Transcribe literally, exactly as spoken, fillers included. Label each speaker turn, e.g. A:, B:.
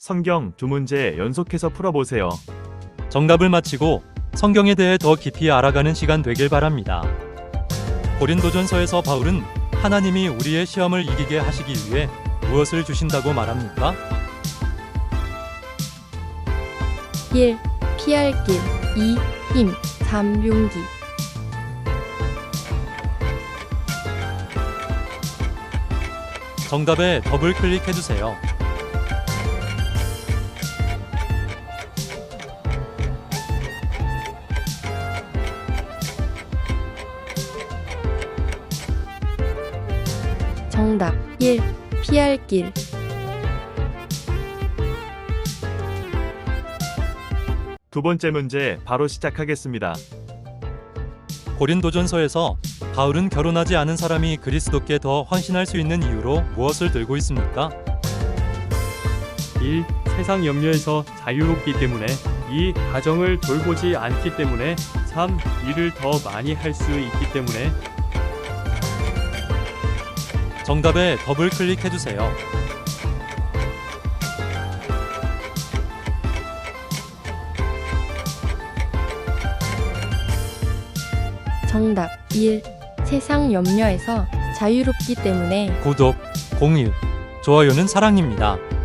A: 성경 두 문제 연속해서 풀어보세요.
B: 정답을 맞히고 성경에 대해 더 깊이 알아가는 시간 되길 바랍니다. 고린도전서에서 바울은 하나님이 우리의 시험을 이기게 하시기 위해 무엇을 주신다고 말합니까?
C: 일. 피할 길. 이. 힘. 삼. 용기.
B: 정답에 더블 클릭해주세요.
C: 정답. 일. 피할 길.
A: 두 번째 문제 바로 시작하겠습니다.
B: 고린도전서에서 바울은 결혼하지 않은 사람이 그리스도께 더 헌신할 수 있는 이유로 무엇을 들고 있습니까?
D: 일. 세상 염려에서 자유롭기 때문에. 이. 가정을 돌보지 않기 때문에. 삼. 일을 더 많이 할 수 있기 때문에.
B: 정답에 더블 클릭해주세요.
C: 정답. 일. 세상 염려에서 자유롭기 때문에.
B: 구독, 공유, 좋아요는 사랑입니다.